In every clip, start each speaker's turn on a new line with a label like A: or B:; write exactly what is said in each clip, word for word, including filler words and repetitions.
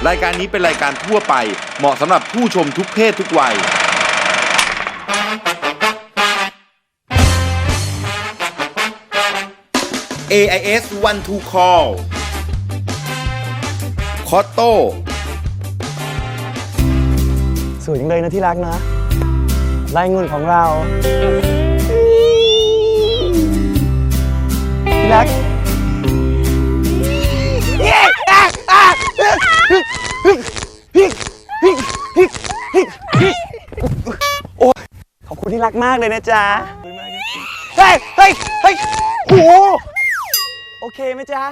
A: รายการนี้เป็นรายการทั่วไปเหมาะสำหรับผู้ชมทุกเพศทุกวัย เอ ไอ เอส วัน ทู Call คอตโต้
B: สวยจังเลยนะที่รักนะลายเงินของเราที่รักโอ้ขอบคุณที่รักมากเลยนะจ๊ะเฮ้ยเฮ้ยเฮ้ยโอ้โอเคไหมจ๊ะ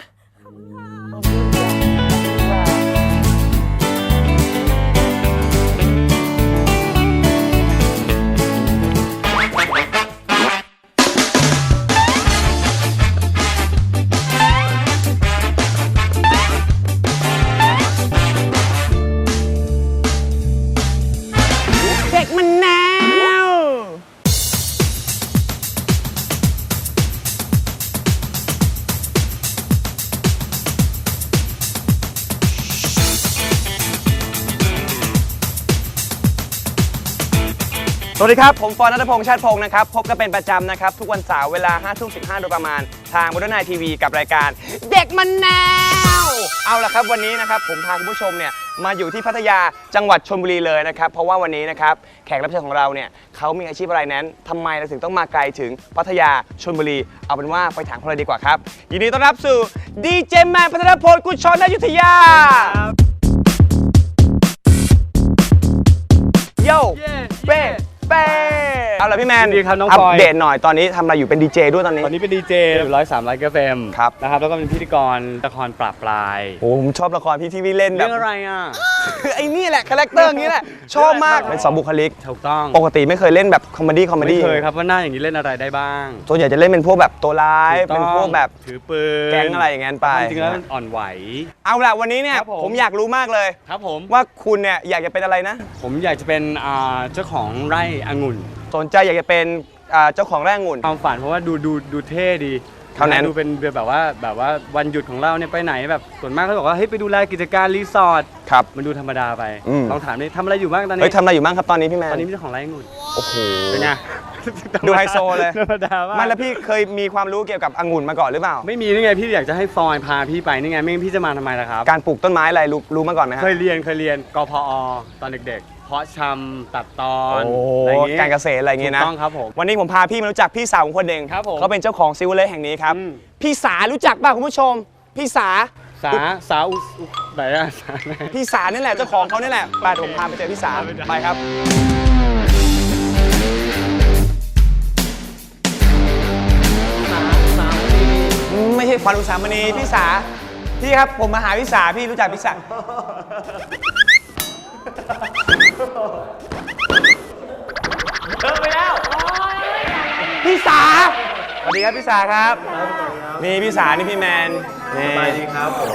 B: เด็กมันแนวสวัสดีครับผมฟอนณัฐพงษ์ชาติพงศ์นะครับพบกันเป็นประจำนะครับทุกวันเสาร์เวลา ห้าทุ่มสิบห้า โดยประมาณทาง Modern Night ที วี กับรายการเด็กมันแนวเอาล่ะครับวันนี้นะครับผมพาคุณผู้ชมเนี่ยมาอยู่ที่พัทยาจังหวัดชลบุรีเลยนะครับเพราะว่าวันนี้นะครับแขกรับเชิญของเราเนี่ยเขามีอาชีพอะไรนั้นทำไมเราถึงต้องมาไกลถึงพัทยาชลบุรีเอาเป็นว่าไปถามเขาเลยดีกว่าครับยินดีต้อนรับสู่ดีเจแมนพัทรพลกุลชรอยุธยาโย่เป้เป้เอาล่ะพี่แมน
C: ดีครับน้อง
B: อัป
C: ปอย
B: เดตหน่อยตอนนี้ทำอะไรอยู่เป็นดีเจด้วยตอนนี้
C: ตอนนี้เป็นดีเจร้อยสามร้อยเกฟเอ็ม
B: ครับ
C: นะครับแล้วก็เป็นพิธีกรละครปราบปลาย
B: โอ้ผมชอบละครพี่ที่พี่เล่นแบบ
C: เรื่องอะไรอ่ะ
B: ไอ้นี่แหละคาแรคเตอร์อย่างนี้แหละชอบมากเป็นสองบุคลิก
C: ถูกต้อง
B: ปกติไม่เคยเล่นแบบคอมเมดี้คอมเม
C: ไม่
B: ดี้
C: เคยครับว่าหน้าอย่างนี้เล่นอะไรได้บ้าง
B: ส่วนใหญ่จะเล่นเป็นพวกแบบตัวร้าย
C: ถูกต้
B: เป็
C: อน ง
B: พวกแบบ
C: ถือปืน
B: แก๊งอะไรอย่างงั้นไป
C: จริงๆแล้วมันอ่อนไหว
B: เอาล่ะวันนี้เนี่ย
C: ครับผม
B: ผมอยากรู้มากเลย
C: ครับผม
B: ว่าคุณเนี่ยอยากจะเป็นอะไรนะ
C: ผมอยากจะเป็นอ่าเจ้าของไร่องุ่น
B: สนใจอยากจะเป็นอ่าเจ้าของไร่องุ่น
C: ความฝันเพราะว่าดูดูดูเท่ดี
B: เท่านั้น
C: ดูเป็นแบบว่าแบบว่าวันหยุดของเราเนี่ยไปไหนแบบส่วนมากเขาบอกว่าเฮ้ยไปดูแลกิจการรีสอร์ท
B: ครับ
C: มันดูธรรมดาไป
B: อืม
C: ลองถามดิทำอะไรอยู่บ้างตอนนี้
B: เฮ้ยทำอะไรอยู่บ้างครับตอนนี้พี่แมน
C: ตอนนี้เป็นเจ้าของไร่องุ่น
B: โอ้โห
C: เป็นไง
B: ดูไฮโซเลย
C: ธรรมดามาก
B: ไม่แล้วพี่เคยมีความรู้เกี่ยวกับองุ่นมาก่อนหรือเปล่า
C: ไม่มีนี่ไงพี่อยากจะให้ฟอยพาพี่ไปนี่ไงไม่งั้นพี่จะมาทำไมล่ะครับ
B: การปลูกต้นไม้อะไรรู้รู้มาก่อนไหมฮะ
C: เคยเรียนเคยเรียนกพอตอนเด็กๆ เพาะชำตัดตอน
B: โอ้
C: อะไรอย่างงี้
B: การเกษตรอะไรอย่างงี้นะ
C: ถูกต้องครับผม
B: วันนี้ผมพาพี่มารู้จักพี่สาวของคนหนึ่ง
C: ครับผม
B: เขาเป็นเจ้าของซิวเลอร์แห่งนี้ครับ
C: อืม
B: พี่สารู้จักป่ะคุณผู้ชม พี่สา
C: สาสาอุอุไหนอะสาไหน
B: พี่สานี่แหละเจ้าของเขานี่แหละไปเดี๋ยวผมพาไปเจอพี่สาไปครับไม่ใช่ขวัญอุสามณีพี่สาพี่ครับผมมาหาพี่สาพี่รู้จักพี่สาเลิกไปแล้วพี่สาสวัสดีครับพี่สาครับนี่พี่สานี่พี่แมนนี่สบายดีครับผม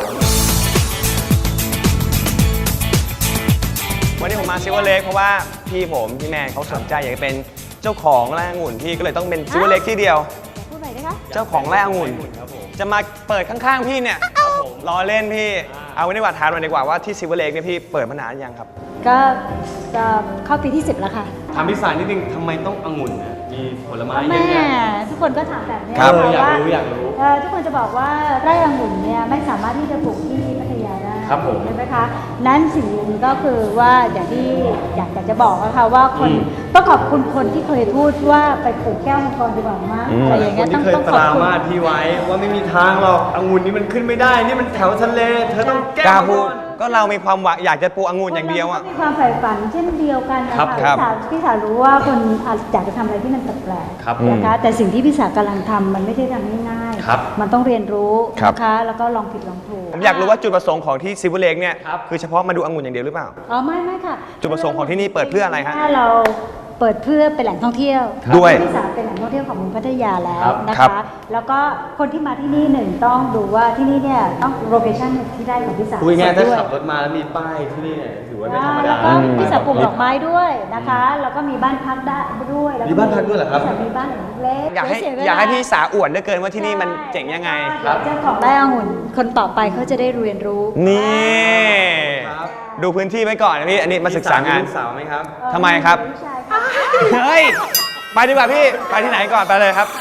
B: วันนี้ผมมาซิวเล็กเพราะว่าพี่ผมพี่แมนเขาสนใจอยากจะเป็นเจ้าของไร่องุ่นพี่ก็เลยต้องเป็นซิวเล็กที่เดียว
D: พูดหน่อยนะคะ
B: เจ้าของไร่องุ่นจะมาเปิดข้างๆพี่เนี่ยล้อเล่นพี่เอาไว้ดีกว่าถามหน่อยดีกว่าว่าที่ซิวเล็กเนี่ยพี่เปิดมานานยังครับ
D: ก็จะเข้าปีที่สิบแล้วค่ะ
C: ถามพี่สารนิดนึงทำไมต้ององุ่นนะมีผลไม้เย
D: แม่
C: อะแยะ
D: ทุกคนก็ถามแบบนี้
B: ครับ
C: เอออยาก
D: ว่า
C: รู้อยากรู้
D: เอ่อทุกคนจะบอกว่าไร่องุ่นเนี่ยไม่สามารถที่จะปลูกที่พัทยาได้
C: ครับผม
D: ใช่ไหมคะนั้นสิ่งหนึ่งก็คือว่าอย่างที่อยากจะบอกนะคะว่าคนต้องขอบคุณคนที่เคยพูดว่าไปปลูกแก้วมังกรดีกว่ามั้งอะไรอย่าง
C: ค
D: เงี้
C: น
D: ย
C: ที่
D: ต้อง
C: เคย
D: ต้อง
C: ป
D: ขอบ
C: รา
D: คุณ
C: มาสพี่ไว้ว่าไม่มีทางหรอกองุ่นนี่มันขึ้นไม่ได้นี่มันแถวทะเลเธอต้องแก้
B: กล้าพูดก็เรามีความหวังอยากจะปลูกองุ่นอย่างเดียวอ่ะ
D: มีความใฝ่ฝันเช่นเดียวกันนะ
C: ครั
D: คะ
C: บ
D: พี่
B: ครับ
D: สาวพี่สาวรู้ว่าคนอาจอยากจะทำอะไรที่มันแปลก
C: ครับ
D: ๆนะคะแต่สิ่งที่พี่สาวกำลังทำมันไม่ใช่ทำง่ายๆ
C: ครับ
D: มันต้องเรียนรู้
B: ครับ
D: นะคะแล้วก็ลองผิดลองถูก
B: ผมอยากรู้ว่าจุดประสงค์ของที่ซิวเล็กเนี่ย
C: ครับ
B: คือเฉพาะมาดูองุ่นอย่างเดียวหรือเปล่า
D: อ๋อไม่ไม่ค่ะ
B: จุดประสงค์ของที่นี่เปิดเพื่ออะไรฮะ
D: ถ้าเราเปิดเพื่อเป็นแหล่งท่องเที่ยว
B: ด้วย
D: พี่สาวเป็นแหล่งท่องเที่ยวของเมืองพัทยาแล้ว
C: ครับ
D: นะ
B: ครั
D: คะ
B: บ
D: แล้วก็คนที่มาที่นี่หนึ่งต้องดูว่าที่นี่เนี่ยต้องโลเคชั่นที่ได้ของพี่สาว
C: คุยง่ายๆถ้า
D: ด้วย
C: ขับรถมาแล้วมีป้ายที่นี่เนี่ยถือว่าไม่ธรรม
D: แล้
C: ดาว
D: ก็พี่สาวปลูกดอกไม้ด้วยนะคะ แล้วก็มีบ้านพักได้ด้วยแล้ว
C: มีบ้านพักด้วยเหรอครับ
D: พี่สาวมีบ้านหลังเล็ก
B: อยากให้
D: เสีเวล
B: อยากให้พี่สาอวดเหลือเกินว่าที่นี่มันเจ๋งยังไง
D: เดี๋ยวเจ้าของไร่องุ่นคนต่อไปเขาจะได้เรียนรู้
B: นี่ดูพื้นที่ไว้ก่อนนะพี่อันนี้มาศึกษางาน
C: ลูกสาวไหมครับ
B: ทำไมครับ
D: ผู้ชายค่ะ
B: เฮ้ยไปดีกว่าพี่ไปที่ไหนก่อนไปเลยครับ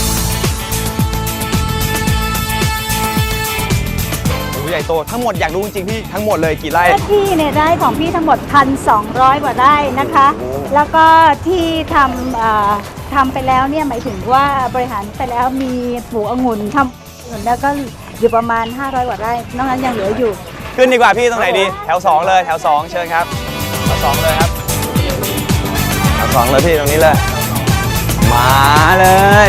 B: ใหญ่โตทั้งหมดอยากรู้จริงๆพี่ทั้งหมดเลยกี่ไร่
D: ที่เนี่ยได้ของพี่ทั้งหมด หนึ่งพันสองร้อย กว่าไร่นะคะ แล้วก็ที่ทำเอ่อทำไปแล้วเนี่ยหมายถึงว่าบริหารไปแล้วมีปลูกองุ่นทำองุ่นแล้วก็อยู่ประมาณ ห้าร้อย กว่าไร่นอกนั้นยังเหลืออยู่
B: ขึ้นดีกว่าพี่ตรงไหนดีแถวสองเลยแถวสองเชิญครับแถวสองเลยครับแถวสองเลยพี่ตรงนี้เลยมาเลย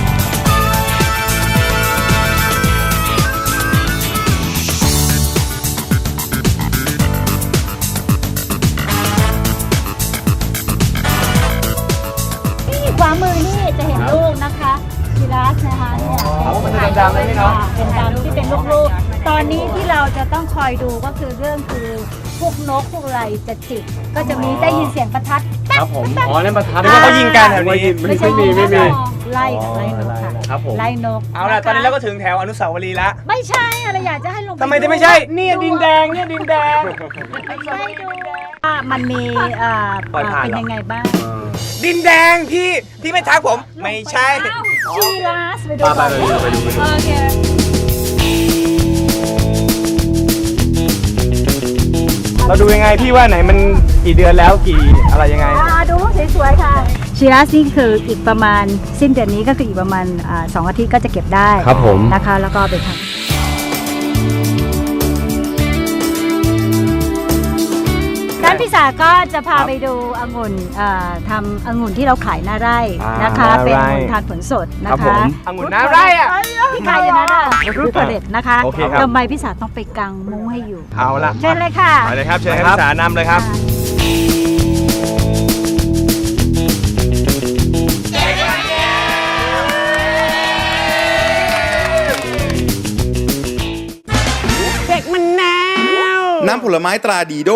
D: ขวามือนี่จะเห็นลูกนะคะชิรัสนะคะเนี่ย
B: มันจะดำๆเลยพี่เนาะ
D: เป็นดำที่เป็นลูกๆ ตอนนี้ที่เราจะต้องคอยดูก็คือเรื่องคือพวกนกพวกอะไรจะจิกก็จะมีได้ยินเสียงประทัด
C: ครับผมอ๋อนั่นประทัด
B: นึกว่าเขายิงกันแถวนี้
C: ไม่ไม่มีไม่มี
D: ไล่ไล่นกค่ะ
C: ครับผม
D: ไล่นก
B: เอาล่ะตอนนี้เราก็ถึงแถวอนุสาวรีย์ละ
D: ไม่ใช่อะไรอยากจะให้ลง
B: ทำไมจะไม่ใช่เนี่ยดินแดงเนี่ยดินแดง
D: ไม่ใช่ดูว่ามันมีเอ่อ
B: ปล่อยผ่าน
D: เป็น
B: เหรอ
D: ยังไงบ้าง
B: ดินแดงพี่พี่ไม่ทักผมไม่ใช่
D: ชีรัสไปดู
C: ไปไปไปดูไปดูไปดู
D: โอเค
B: เราดูยังไงพี่ว่าไหนมันกี่เดือนแล้วกี่อะไรยังไง
D: อ่าดูสวยๆค่ะชีรัสนี่คืออีกประมาณสิ้นเดือนนี้ก็คืออีกประมาณอ่าสองอาทิตย์ก็จะเก็บได้
C: ครับผม
D: นะคะแล้วก็เอาไปทำด้านพี่สาก็จะพาไปดูองุ่นเอ่อทำองุ่นที่เราขายหน้าไร่นะคะ
B: อ่าหน้าไร่
D: เป็นองุ่นทานผลสดนะ
B: ครั
D: คะ
B: บผมองุ่นหน้าไร่อะ
D: พี่ขายอยู่นะรูปเด็ดนะคะ
B: โอเคครับ
D: ทำไมพี่สาต้องไปกางมุ้งให้อยู่
B: เอาละ
D: เชิญเลยค่ะ
B: ไปเลยครับเชิญให้พี่สานำเลยครับ เด็กมันแนว
A: น้ำผลไม้ตราดีโด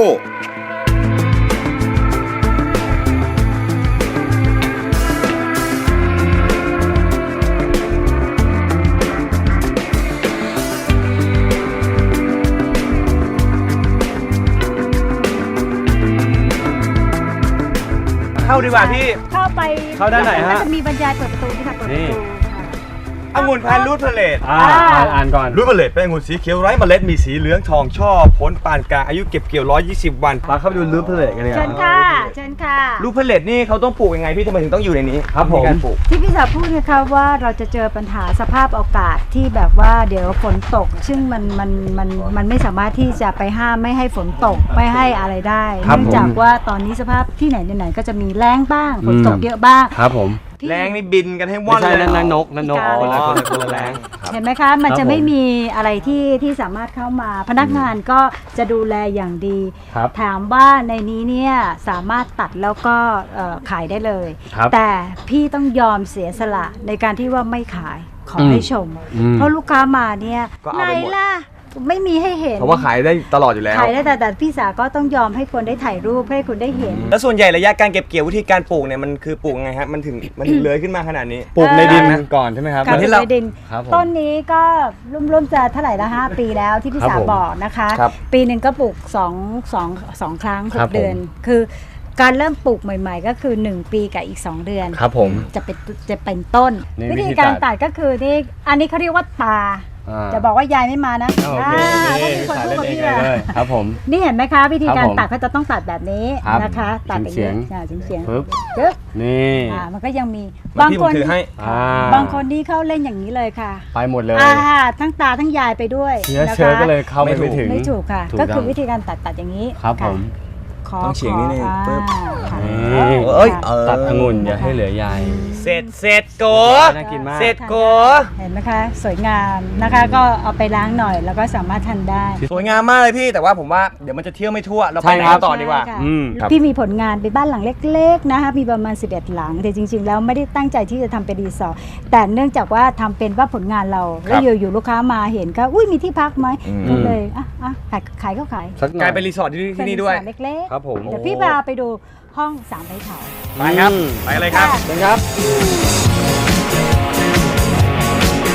B: เข้าดีกว่าพี่
D: เข้าไป
C: เข้าด้านไหนฮะ
D: ก็จะมีบรรยายเปิดประตูที่ค่ะเปิดประ
C: นี่
D: ตูค่ะ
B: องุ่นพันธุ์รูทเพลต
C: อ่าอ่านอ่านก่อน
B: รูทเพลตเป็นองุ่นสีเขียวไร้เมล็ดมีสีเหลืองทองช่อผลปานกลางอายุเก็บเกี่ยว หนึ่งร้อยยี่สิบ วัน
C: มาเข้าไปดูรูปเพลทกันเลย
D: เชิญค่ะเชิญค่ะ
B: รูทเพลตนี่เขาต้องปลูกยังไงพี่ทำไมถึงต้องอยู่ในนี้
C: ครับผม
B: ในการปลูก
D: ที่พี่สาวพูดนะคะว่าเราจะเจอปัญหาสภาพอากาศที่แบบว่าเดี๋ยวฝนตก ซึ่งมันมันมันมันไม่สามารถที่จะไปห้ามไม่ให้ฝนตกไม่ให้อะไรได้
C: ครับ
D: เนื่องจากว่าตอนนี้สภาพที่ไหนไหนๆก็จะมีแล้งบ้างฝนตกเยอะบ้าง
C: ครับผม
D: พี่
B: แรงนี่บินกันให้ว่
C: ไม่
B: อน
C: ใช่
B: เลย
C: นั่นนั่นนกนั่นนก
D: อ๋อ
C: คนละคนละคนละแรง
D: เห็นไหมคะมัน
C: ครับ
D: จะไม่
C: ผม
D: มีอะไรที่ที่สามารถเข้ามา พนักงานก็จะดูแลอย่างดี
C: ครับ
D: ถามว่าในนี้เนี่ยสามารถตัดแล้วก็เอ่อขายได้เลย
C: ครับ
D: แต่พี่ต้องยอมเสียสละในการที่ว่าไม่ขายขอ
C: อืม
D: ให้ชม
C: อืม
D: เพราะลูกค้ามาเนี่ย
B: ก็เอา
D: ไหน
B: ไปหมด
D: ล่ะไม่มีให้เห็น
B: เพราะว่าขายได้ตลอดอยู่แล้ว
D: ขายได้แต่แต่พี่สาก็ต้องยอมให้คนได้ถ่ายรูปให้คุณได้เห็น
B: แล้วส่วนใหญ่ระยะการเก็บเกี่ยววิธีการปลูกเนี่ยมันคือปลูกยังไงฮะมันถึงมันถึงเลื้อยขึ้นมาขนาดนี้
C: ปลูกในดิน
D: เอ่อ
C: ก่อนใช่ไหมครับ
D: การ
B: ที่
D: ที่
B: เรา
D: เราดิน
C: ครับผม
D: ต้นนี้ก็ร่วมๆจะเท่าไหร่ละห้าปีแล้วที่พี่
C: ครับ
D: สา
C: ผม
D: บอกนะคะ
B: ครับ
D: ปีหนึ่งก็ปลูกสองสองสองครั้งห
C: ครั
D: ก
C: บผม
D: เดือน คือการเริ่มปลูกใหม่ ๆ ก็คือหนึ่งปีกับอีกสองเดือน
C: ครับผม
D: จะเป็นจะเป็นต้น
C: นี่
D: วิ
C: วิธี
D: ธีการ
C: ตัด
D: ตัดก็คือนี่อันนี้เขาเรียกว่าตา
C: อ่า
D: จะบอกว่ายายไม่มานะ
C: โอเค
D: อ่า
C: นี่
D: ต้องมีคน
C: สาย
D: พูด
C: เล่น
D: กับ
C: เอง
D: พี่อะ
C: เลยครับผม
D: นี่เห็นไหมคะ วิธี
C: ครับ
D: การ
C: ผม
D: ตัดเขาจะต้องตัดแบบนี้
C: ครับ
D: นะคะ ตัดอย่าง
C: เฉีย
D: นี้
C: ง
D: อ่าเฉียงๆ
C: ปึ๊บ
D: ปึ๊บ
C: นี่
D: อ่ามันก็ยังมี
B: บา
D: บาง ง
B: ที่
D: ค
B: ผม
D: น
B: ถือให้
C: อ่า
D: บางคนนี่เขาเล่นอย่างนี้เลยค่ะ
C: ไปหมดเลย
D: อ่าทั้งตาทั้งยายไปด้วย
C: เชื้อ
D: นะคะ
C: เชื้อก็เลยเข้าไปไม่ถึง
D: ไม่ถูกค่ะ
C: ถูก
D: ก็คือ
C: ต้อง
D: วิธีการตัดตัดอย่างนี้
C: ครับผม
D: ขอ
B: ต้องเฉียงนิดนึง
D: ขอ
B: ปึ๊บ
D: อ่าค่ะ
C: นี่
B: เอ้ยเออ
C: ตัดองุ่นอย่าให้เหลือใย
B: เสร็จเสร็จโก
C: น่ากินมาก
B: เสร็จโก
D: เห็นไหมคะ สวยงามนะคะ ก็เอาไปล้างหน่อยแล้วก็สามารถทานได้
B: สวยงามมากเลยพี่แต่ว่าผมว่าเดี๋ยวมันจะเที่ยวไม่ทั่วเราไปไหน
C: ใช่ครับ
B: กันต่อดีกว่า
D: ใช่ค่ะ
C: อืมครับ
D: พี่มีผลงานเป็นบ้านหลังเล็กๆนะคะมีประมาณสิบเอ็ดหลัง แต่จริงๆแล้วไม่ได้ตั้งใจที่จะทำเป็นรีสอร์ทแต่เนื่องจากว่าทำเป็นว่าผลงานเรา แล้วอยู่ๆลูกค้ามาเห็นก็อุ้ยมีที่พักไหม
B: อืม
D: ก็เลยอ่ะอ่ะขายขายก็ขาย
C: สักหน่
B: ก
C: อ
B: ลาย ยเป็นรีสอร์ทที่ที่นี่ด้วย
D: เป็นรีสอร์ทเล็กๆ
C: ครับผม
D: เดี๋ยวพี่พาไปดูห้องสามใบเถา
B: ไปครับ
C: อืม
B: ไปเลยครับ
C: เชิญครับ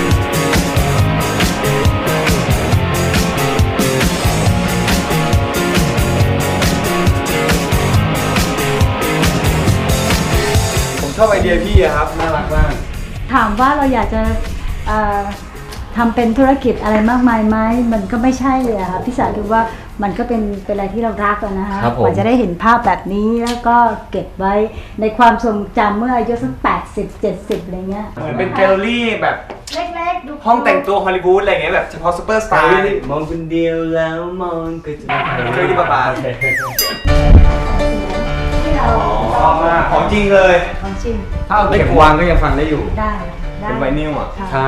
B: เ
C: อบไอเดียพี่อะครับน่ารักมาก
D: ถามว่าเราอยากจะเอ่อทำเป็นธุรกิจอะไรมากมายไหมมันก็ไม่ใช่เลยอะค่ะพี่สาวดูว่ามันก็เป็นเป็นอะไรที่เรารักอะนะคะ
C: ครับผม
D: กว่าจะได้เห็นภาพแบบนี้แล้วก็เก็บไว้ในความทรงจำเมื่ออายุสักแปดสิบเจ็ดสิบอะไรเงี้ย
B: เหมือนเป็นแกลเลอรี่แบบ
D: เล็กๆดู
B: ห้องแต่งตัวฮอลลีวูดอะไรเงี้ยแบบเฉพาะซูเปอร์สตาร์
C: มองคนเดียวแล้วมองก็จะ
B: เรื่องที่ประมาณ
D: ที่เรา
B: ชอบมากของจริงเลย
D: ของจริง
C: ถ้าเอาเข็มวางก็ยังฟังได้อยู่
D: ได้ได้
B: เป็นไวนิลอ่ะ
D: ค่ะ
C: ใช่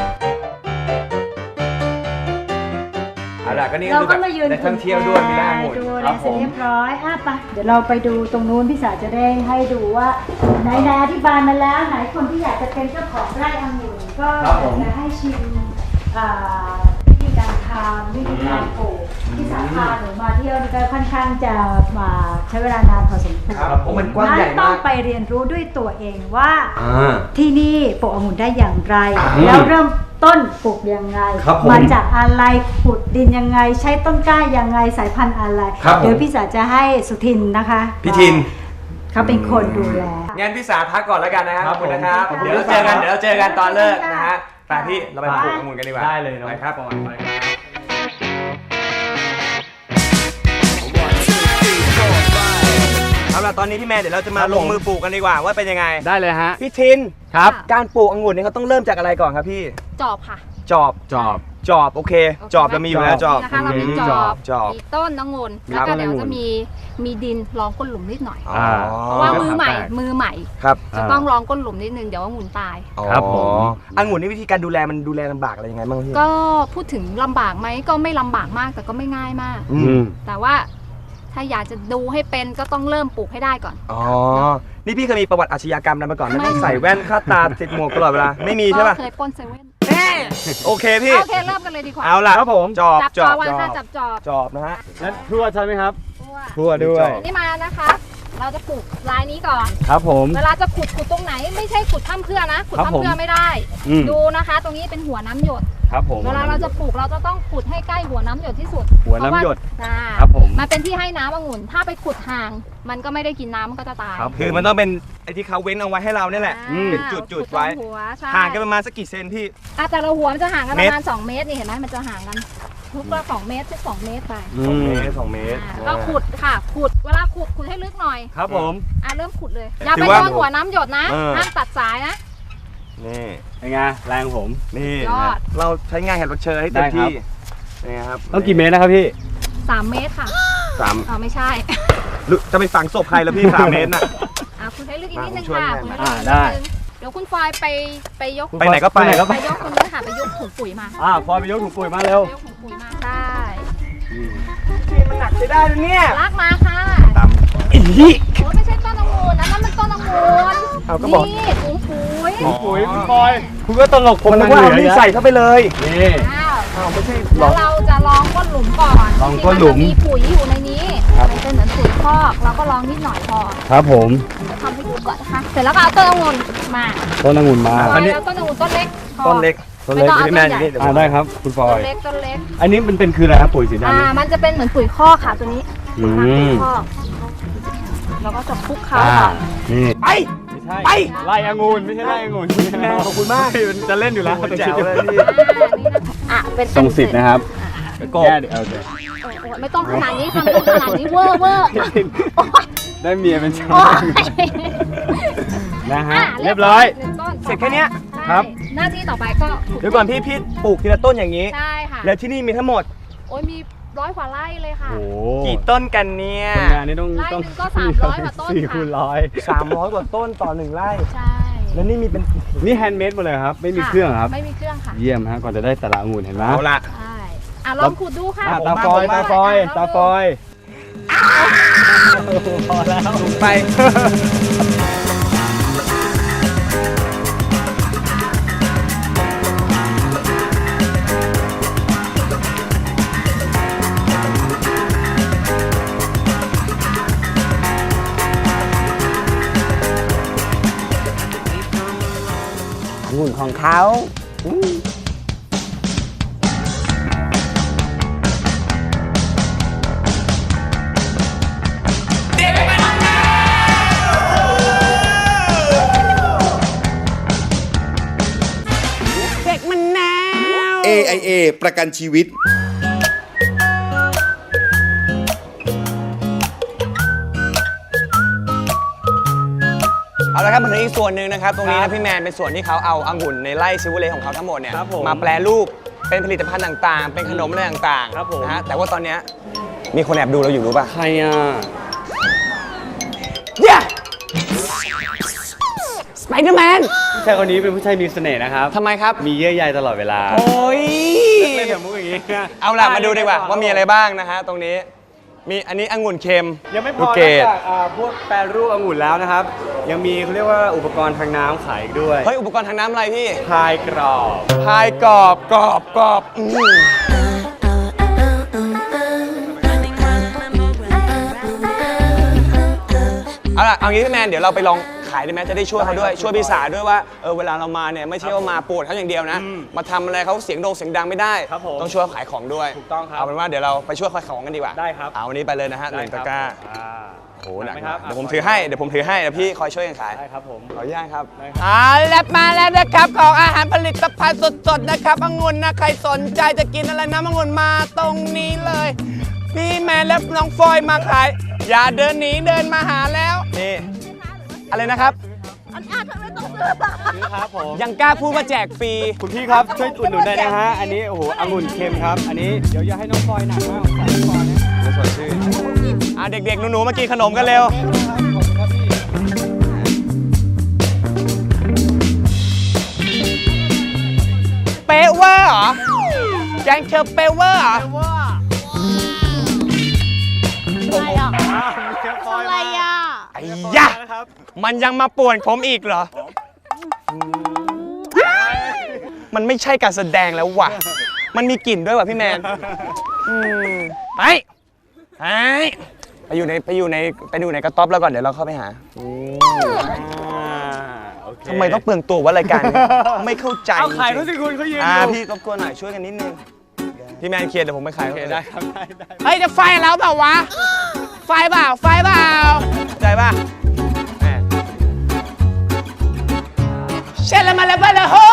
B: เอาล่ะก็นี่
D: เรา
B: คือ
D: ก็
B: แบบ
D: มายืน
B: ได้ท่องเที่ยวด้วยมีล่าหมด
D: ดูอะไรเสร็จเรียบร้อยอ่ะไปเดี๋ยวเราไปดูตรงนู้นพี่สาวจะได้ให้ดูว่าไหนไหนอธิบายมาแล้วไหนคนที่อยากจะเป็นเจ้าของไร่องุ่นก็อยากจะให้ชิมอ่าวิธีการทำวิธีการปลูกที่สาพาหนูมาเที่ยวนี่ก็ค่อนข้างจะมาใช้เวลานานพอสมควร
B: ครับผมมันกว้างใหญ่
D: ต้อ
B: มาง ก
D: ไปเรียนรู้ด้วยตัวเองว่า
C: อ่า
D: ที่นี่ปลูกองุ่นได้อย่างไร
C: อืม
D: แล้วเริ่มต้นปลูกยังไง
C: ครับผม
D: มาจากอะไรขุดดินยังไง ใช้ต้นกล้ายังไงสายพันธุ์อะไร
C: ครับผม
D: เดี๋ยวพี่สาจะให้สุทินนะคะ
B: พี่ทิน
D: เขาเป็นคนดูแล
B: งั้นพี่สาพักก่อนแล้วกันนะครับ
C: ค
B: ข
C: รั
B: อ
C: บบ
B: คุณนะครับ
C: ผม
B: เดี๋ยวเราเจอกันเดี๋ยวเราเจอกันตอนเลิกนะฮะไปพี่เราไป
C: ไป
B: ปลูกองุ่นกันดีกว่า
C: ได้เลยน้อง
B: ไปครับ
C: ปอนไปครับ
B: เอาล่ะตอนนี้พี่แมนเดี๋ยวเราจะมาลงมือปลูกกันดีกว่าว่าเป็นยังไง
C: ได้เลยฮะ
B: พี่ทิน
C: ครับ
B: การปลูกองุ่นนี่เขาต้องเริ่มจากอะไรก่อนครับพี่
E: จอบค่ะ
B: จอบ
C: จอบ
B: จอบโอเค จอบเรามีอยู่แล้วจอบ
E: นะคะเรามีจอบ
B: จอบ
E: มีต้นองุ่น
B: ครั
E: แล้ว
B: บ
E: ก็เดี๋ยวจะมีมีดินรองก้นหลุมนิดหน่อย
B: อ๋อ
E: เพราะว่ามือใหม่มือใหม่
B: ครับ
E: จะต้องรองก้นหลุมนิดนึงเดี๋ยวองุ่นตาย
C: ครับผม
B: อ๋อองุ่นนี่วิธีการดูแลมันดูแลลำบากอะไรยังไงบ้างพี่
E: ก็พูดถึงลำบากไหมก็ไม่ลำบากมากแต่ก็ไม่ง่ายมาก
B: อื
C: อื
B: ม
C: ม
E: แต่ว่าถ้าอยากจะดูให้เป็นก็ต้องเริ่มปลูกให้ได้ก่อน
B: อ๋อ นี่พี่เคยมีประวัติอาชญากรรมอะไรมาก่อนไหม
E: ไม่
B: ต้องใส่แว่นคาดตาติดหมวกตลอดเวลา ไม่มีใช่ป่ะ
E: ก็เคยปล้นเซเว่น
B: โอเคพี่
E: โอเคเริ่มกันเลยดีกว่า
B: เอาล่ะ
C: ครับผม
B: จอบ
E: จับ
B: จ
E: จ
B: อ
E: อ
B: บบ
E: วัน
B: จอ
E: ค่ะ
B: บ
E: จับจอบ
B: จอบนะฮะ
C: แล้วทั่วใช่ไหมครับ
E: ทั่ว
C: ทั่วด้วย
E: นี่มานะคะ เราจะปลูกลายนี้ก่อน
C: ครับผม
E: เวลาจะขุดขุดตรงไหนไม่ใช่ขุดถ้ำเพื่อนะขุด
C: ครับ
E: ถ้ำ
C: ผม
E: เพื่อไม่ได้
C: อืม
E: ดูนะคะ ตรงนี้เป็นหัวน้ำหยด
C: ครับผม
E: เวลาเราจะปลูกเราจะต้องขุดให้ใกล้หัวน้ำหยดที่สุด
C: หัวน้ำหยด
E: เพราะว่า
C: ครับผม
E: มันเป็นที่ให้น้ำองุ่น ถ้าไปขุดห่าง มันก็ไม่ได้กินน้ำมันก็จะตาย
C: ครับ
B: คือมันต้องเป็นไอ้ที่เขาเว้นเอาไว้ให้เราเนี่ยแหละ
E: อ่า
B: เป็นจุดจุด
E: ขุ
B: ๆไว้
E: ตรงหัวใช่
B: ห่างกันประมาณสักกี่เซนพี่
E: อ่ะแต่ละหัวมันจะห่างกัน
B: เม
E: ป
B: ตร
E: ระมาณสองเมตรนี่เห็นไหมมันจะห่างกัน ทุกละสองเมตรทุกสองเมตรไป
C: อื
B: สอง
C: ม
B: เมตรสองเมตร
E: อ่าก็ขุดค่ะ ขุด เวลาขุดขุดให้ลึกหน่อย
C: ครับผม
E: อ่ะเริ่มขุดเลย อย่า
B: ถื
E: ไป
B: อว่า
E: โดนหัวน้ำหยดนะ
B: เออ
E: ห้ามตัดสายนะ
B: นี่
C: เป็นไงแรงผม
B: นี่
E: ยอด
B: เราใช้งานแขกรับเชิญให้เต็ม
C: ได้ครับ
B: ที่นี่ครับ
C: ต้องกี่เมตรนะครับพี่
E: สามเมตรค่ะ
B: สาม
E: อ๋อไม่ใช่
B: หรือจะไปฝังศพใครแล้วพี่สามเมตรน่ะ
E: อ่ะคุณให้ลึกอีกนิดนึง
B: ผมช่วย
E: ค่ะ
B: แม่
E: คุณให้ลึก
C: อ่า
E: อีกนิ
C: ได้
E: นึงเดี๋ยวคุณฟอยไปไปยก
B: ไปไหนก็ไป
C: ไปไหนก็
E: ไปยกตรงนี้ค่ะไปยกถุงปุ๋ยมา
C: อ่าพอไปยกถุงปุ๋ยมาเร็ว
E: ไปยกถุงปุ๋ยมาได้
B: พี่มันหนักใช้ได้นะเนี่ย
E: ลากมาค่ะ
B: ตามอี
E: โอ้ไม่ใช่ต้นองุ่นนะนั่นมันต้นองุ่น
B: เอาก็บอก
E: นี่ถุงปุ๋ย
C: ถุงปุ๋ยคุณบอย คุณก็ตลก
B: ผมนึกว่าเอานี่ใส่เข้าไปเลย
C: นี่
E: อ้าว
B: อ้าวไม่ใช่หร
E: แล้
B: อ
E: วเราจะลองก้นหลุมก่อน
C: ลองก้นหลุม
E: ที่นจะมีปุ๋ยอยู่ในนี้มันเป็นเหมือนปุ๋ยคอกเราก็ลองนิดหน่อยพอ
C: ครับผม
E: เดี๋ยวทำให้ดูก่อนนะคะเสร็จแล้วก็เอาต้นองุ่นมา
C: ต้นองุ่นมา
E: ฟอยเอาต้นองุ่นต้นเล็กพอ
B: ต้นเล็ก
C: ต้นเล็ก
E: ไม่ต้องเอา
B: พี่แมน
E: ต้นใหญ่
B: นี่เดี๋ยว
C: อ่าได้ครับคุณฟอ
E: ต้
C: ย
E: นเล็กต้นเล็ก
C: อันนี้มันเป็นคืออะไรครับปุ๋ยสีดำ
E: อ่า
C: นี่
E: มันจะเป็นเหมือนปุ๋ยคอกค่ะตัวนี้
C: อืม
E: ปุ๋ยคอกเราก็จะคลุกเขา
C: อ่า
E: ก่อน
C: นี่
B: ไป
C: ไม่ใช่
B: ไป
C: ไล่องุ่นไม่ใช่ไล่องุ่น
B: แม่ขอบคุณมาก
C: มันจะเล่นอยู่แล้ว
B: โอ้โหแจ๋วเลยพี่
E: อ่านี่นะคะอ่ะเป็น
C: ทรงสิทธิ์นะครับ
B: กบ
C: แก้เดี๋ยวเอาเดี๋ยว
E: โอ้โหไม่ต้องขนาดนี้ทำขนาดนี้เวอร์เวอร์
C: ได้เมียเป็นชา
E: โอ้
C: วย นะฮะ
E: อ่ะ
C: เรียบร้อย
E: หนึ่งต้น
B: เสร็จแค่เนี้ย
E: ใช่
C: ครับ
E: หน้าที่ต่อไปก็ขุ
B: เดี๋ยวก่อนพี่พี่ปลูกทีละต้นอย่างนี้
E: ใช่ค่ะ
B: แล้วที่นี่มีทั้งหมด
E: โอ้ยมีร้อยกว่าไร่เลยค่ะ
C: โอ้โห
B: กี่ต้นกันเนี่ย
C: คนงานนี่ต้อง
E: ไร่
C: ต้อง
E: หนึ่งก็สามร้อยกว่าต้น
C: สี่
E: ค่ะ
C: คูณร้อย
B: สามร้อยกว่าต้นต่อหนึ่งไร่
E: ใช่
B: แล้วนี่มีเป็น
C: นี่แฮนด์เมดหมดเลยครับ ไม่มีเครื่องครับ
E: ไม่มีเครื่องค่ะ
C: เยี่ยมฮะก่อนจะได้แต่ละองุ่นเห็นไหม
B: เอาละ
E: ใช่อ่ะลองขุดดูค่ะ
C: อ่ะ
B: ผม
C: ตา
B: มา
C: ฟอย
B: ผมมา
C: ตาฟอย
E: อ่ะ
C: ตาฟอยพอแล้ว
B: ลงไป
F: องุ่นของเขาอืม
A: เอ ไอ เอ ประกันชีวิต
B: เอาละครับมาถึงอีกส่วนหนึ่งนะครับตรงนี้นะพี่แมนเป็นส่วนที่เขาเอาองุ่นในไร่ซิวเลของเขาทั้งหมดเนี่ย
C: ครับผม
B: มาแปรรูปเป็นผลิตภัณฑ์ต่างๆ เป็นขนมอะไรต่าง
C: ครับผม
B: ๆนะฮะแต่ว่าตอนเนี้ยมีคนแอบดูเราอยู่รู้ป่ะ
C: ใครอ่ะ
B: เนี่ยสไปเดอร์แมน
C: ผู้ชายคนนี้เป็นผู้ชายมีเสน่ห์นะครับ
B: ทำไมครับ
C: มีเยื่อใยตลอดเวลา
B: โอ้ย
C: เล่นแบบมุกอย่างนี้
B: เอาล่ะมาดูดีกว่าว่ามีอะไรบ้างนะฮะตรงนี้มีอันนี้องุ่นเค็ม
C: ยังไม่พ
B: ลู
C: อก
B: เก
C: นอก
B: ด
C: จากอ่าพวกแปรรูปองุ่นแล้วนะครับ ยังมีเขาเรียกว่าอุปกรณ์ทางน้ำขายอีกด้วย
B: เฮ้ยอุปกรณ์ทางน้ำอะไรพี่
C: พายกรอบ
B: พายกรอบกรอบกรอบอืมเอาล่ะเอางี้พี่แมนเดี๋ยวเราไปลองขายได้ไหมจะได้ช่วยเขาด้วยช่วยพี่สาด้วยว่าเออเวลาเรามาเนี่ยไม่ใช่ว่ามาปวดเขาอย่างเดียวนะ มาทำอะไรเขาเสียงโด่งเสียงดังไม่ได้
C: ครับผม
B: ต้องช่วยขายของด้วย
C: ถูกต้องครับ
B: เอาเป็นว่าเดี๋ยวเราไปช่วยขายของกันดีกว่า
C: ได้ครับ
B: เอาวันนี้ไปเลยนะฮะหนึ่งตะกร้า
C: อ่า
B: โอ้โหหนัก
C: ไหม
B: มาก
C: ครับ
B: เดี๋ยวผมถือให้เดี๋ยวผมถือให้เดี๋ยวพี่คอยช่วยกันขาย
C: ได้ครับผม
B: ขออนุญาตครับ
C: ได้ครับ
B: อ่าแล้วมาแล้วนะครับของอาหารผลิตภัณฑ์สดๆนะครับองุ่นนะใครสนใจจะกินอะไรน้ำองุ่นมาตรงนี้เลย พี่แมนและน้องฟอยมาขาย อย่าเดินหนีเดินมาหาแล้วนี่อะไรนะครับ
C: ครับผม
B: ยังกล้าพูดว่าแจกฟรี
C: คุณพี่ครับช่วยอุดหนุนได้นะฮะ อันนี้โอ้โหองุ่นเค็มครับ อันนี้เดี๋ยวอย่าให้น้องฟอยหนักมากของสายน้องฟอยนะ
B: สดชื่นอ่าเด็กๆหนูๆมากินขนมกันเร็วเปเวอร์เหรอแกงเชอเปเวอร์เหรอ
C: อะไรอ่ะ
B: ไอ้ยะมันยังมาป่วนผมอีกเหรอ มันไม่ใช่การแสดงแล้วว่ะ มันมีกลิ่นด้วยว่ะพี่แมนอืมไปไปไปอยู่ในไปอยู่ในไปดูในกระต๊อบแล้วก่อนเดี๋ยวเราเข้าไปหา ทำไมต้องเปลืองตัววะรายการนี้ ไม่เข้าใจ
C: เอาขาย
B: จริ
C: รู้
B: ง
C: สิคุณเขายืน
B: ๆอ่า
C: อยู่
B: พี่รบกวนหน่อยช่วยกันนิดนึง พี่แมนเคลียร์เดี๋ยวผมไปขาย
C: โอเคได้ครับได้ได้
B: เฮ้ยจะไฟแล้วเปล่าวะ ไฟเปล่า ไฟเปล่าใจป่ะแหมเช่นละมาแล้วไปเลยโฮ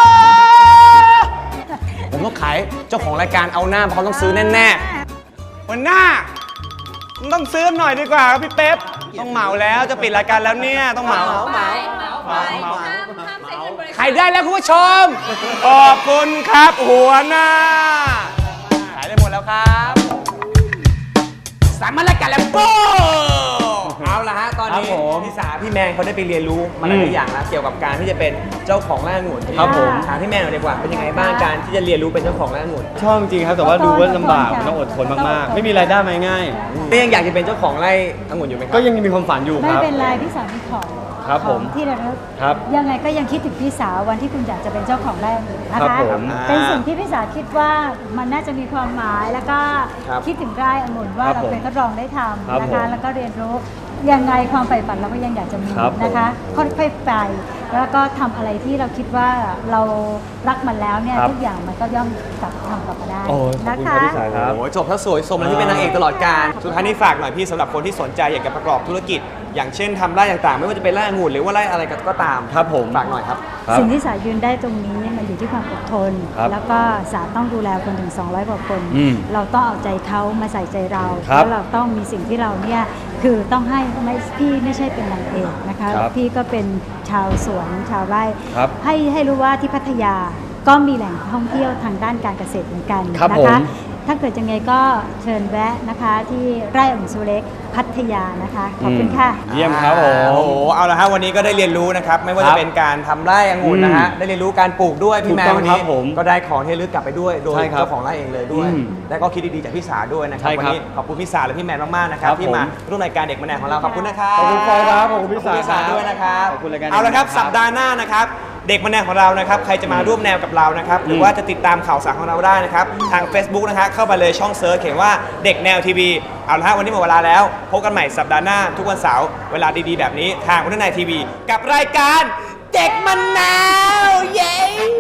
B: ผมต้องขายเจ้าของรายการเอาหน้าเพราะเขาต้องซื้อแน่ๆวันหน้าต้องซื้อหน่อยดีกว่าครับพี่เป๊ปต้องเหมาแล้วจะปิดรายการแล้วเนี่ยต้องเหมาเหมาเหมาเหมาใครได้แล้วคุณผู้ชมขอบคุณครับหัวหน้าขายได้หมดแล้วครับสามารถรายการแล้วโป้เอาละฮะตอนนี้พี่สาพี่แมนเขาได้ไปเรียนรู้มาหลายอย่างแล้วเกี่ยวกับการที่จะเป็นเจ้าของไร่องุ่น
C: ครับผม
B: ถามพี่แมนหน่อยดีกว่าเป็นยังไงบ้างการที่จะเรียนรู้เป็นเจ้าของไร่องุ่น
C: ชอบจริงๆครับ แต่ว่าดูว่าลำบากมันต้องอดทนมากๆ ไม่มีรายได้มาง่าย
B: นี่ยังอยากจะเป็นเจ้าของไร่องุ่นอยู่ไหมครั
C: ก็ยังมีความฝันอยู่ค
D: ไม่
C: รับ
D: เป็นไรพี่สาวมีของ
C: ครับ
D: ข
C: ผ
D: อง
C: ม
D: ที่ระลึก
C: ครับ
D: ยังไงก็ยังคิดถึงพี่สาววันที่คุณอยากจะเป็นเจ้าของไร่องุ่นนะ
C: ครั
D: คะ
C: บผม
D: เป็นสิ่งที่พี่สาวคิดว่ามันน่าจะมีความหมายแล้วก็
B: ครับ
D: คิดถึงไร่องุ่นว่า
C: ครับ
D: เรา
C: ผม
D: เป็นทดลองได้ท
C: ครับ
D: ำนะ
C: ผม
D: คะแล้วก็เรียนรู้ยังไงความใฝ่ฝันเราก็ยังอยากจะมี
C: ครับผม
D: นะคะค่อยๆไปแล้วก็ทำอะไรที่เราคิดว่าเรารักมันแล้วเนี่ย
C: ครับ
D: ทุกอย่างมันก็ย่อมกลับทำกลับมาได้
C: โอ้ยขอบ
D: นะ
C: คุณ
D: คะ
C: ครับพี่สายครับ
B: โอ้ยจบถ้าสวยสมแล้วที่เป็นนางเอกตลอดการสุดท้ายนี้ฝากหน่อยพี่สำหรับคนที่สนใจอยากจะประกอบธุรกิจ อย่างเช่นทำไร่ต่างๆ ไม่ว่าจะเป็นไร่องุ่นหรือว่าไร่อะไรก็ตาม
C: ครับผม
B: ฝากหน่อยครับ
C: ครับ
D: สิ่งที่สายืนได้ตรงนี้มันอยู่ที่ความอดทน
C: ครับ
D: แล้วก็สาต้องดูแลคนถึง สองร้อย กว่าคน
C: อืม
D: เราต้องเอาใจเขามาใส่ใจเรา
C: ครับ
D: แล้วเราต้องมีสิ่งที่เราเนี่ยคือต้องให้ไม่พี่ไม่ใช่เป็นนางเอกนะคะ
C: ครับ
D: พี่ก็เป็นชาวสวนชาวไร่
C: ครับ
D: ให้ให้รู้ว่าที่พัทยาก็มีแหล่งท่องเที่ยวทางด้านการเกษตรเหมือนกัน
C: ครับ
D: นะ
C: ผม
D: คะ ถ้าเกิดยังไงก็เชิญแวะนะคะที่ไร่องุ่นซูเล็กพัทยานะคะขอบคุณค่ะ
C: เยี่ยมครับผม
B: โอ้โห เอาละฮะวันนี้ก็ได้เรียนรู้นะครับ ไม่ว่า
C: ครั
B: จะ
C: บ
B: เป็นการทำไร่องุ่นนะฮะ
C: อืม
B: ได้เรียนรู้การปลูกด้วยพี่แม
C: ถูกต้
B: น
C: อง
B: วัน
C: ครั
B: นี้
C: บผม
B: ก็ได้ของที่ระลึกกลับไปด้วย โดย
C: ใช่ครับ
B: เจ้าของไร่เองเลยด้วย
C: อืม
B: และก็คิดดีๆจากพี่สาด้วยนะครับ
C: ใช่
B: วั
C: ครับ
B: นี้ขอบคุณพี่สาและพี่แมนมากๆนะครับ
C: ครับ
B: ที่มา
C: ผม
B: ร่วมรายการเด็กมะแนวของเรา ขอบคุณนะครับ
C: ขอบคุณฟอยครับขอบคุณพี่สา
B: ขอบคุณพี่สาด้วยนะครับ
C: ขอบคุณรายการ
B: เอาละครับ
C: เด็กมะแนวครับ
B: สัปดาห์หน้านะครับ เด็กมะแนวของเรานะครับ ใครจะมาร่วมแนวกับเรานะครับ หรือ
C: ม
B: ว่าจะติดตามข่าวสารของเราได้นะครับ ทาง Facebook นะฮะเข้าไปเลยช่องเซิร์ชเขียนว่าเด็กแนวทีวี เอาละฮะวันนี้หมดเวลาแล้ว พบกันใหม่สัปดาห์หน้าทุกวันเสาร์เวลาดีๆแบบนี้ทางวันนายทีวี กับรายการเด็กมะนาวเย้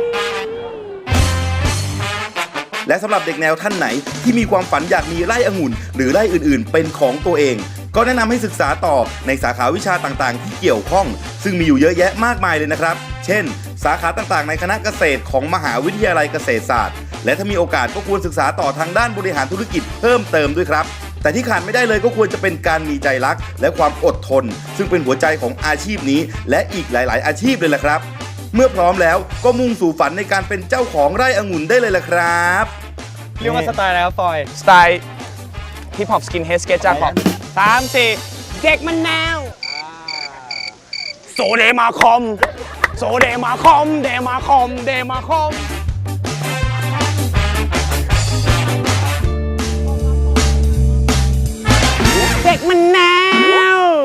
A: และสำหรับเด็กแนวท่านไหนที่มีความฝันอยากมีไร่องุ่น หรือไร่อื่นๆ เป็นของตัวเอง ก็แนะนำให้ศึกษาต่อในสาขาวิชาต่างๆ ที่เกี่ยวข้อง ซึ่งมีอยู่เยอะแยะมากมายเลยนะครับ เช่น สาขาต่างๆ ในคณะเกษตรของมหาวิทยาลัยเกษตรศาสตร์และถ้ามีโอกาสก็ควรศึกษาต่อทางด้านบริหารธุรกิจเพิ่มเติมด้วยครับแต่ที่ขาดไม่ได้เลยก็ควรจะเป็นการมีใจรักและความอดทนซึ่งเป็นหัวใจของอาชีพนี้และอีกหลาย ๆ อาชีพเลยล่ะครับเมื่อพร้อมแล้วก็มุ่งสู่ฝันในการเป็นเจ้าของไร่องุ่นได้เลยล่ะครับ
C: เรียกว่าสไตล์อะไรครับฟอย
B: สไตล์ฮิปฮอปสกินเฮดสเกจจ้าของสามสี่เด็กมันแนวโซเดมาคอมโซเดมาคอมเดมาคอมเดมาคอมเด็กมันแนว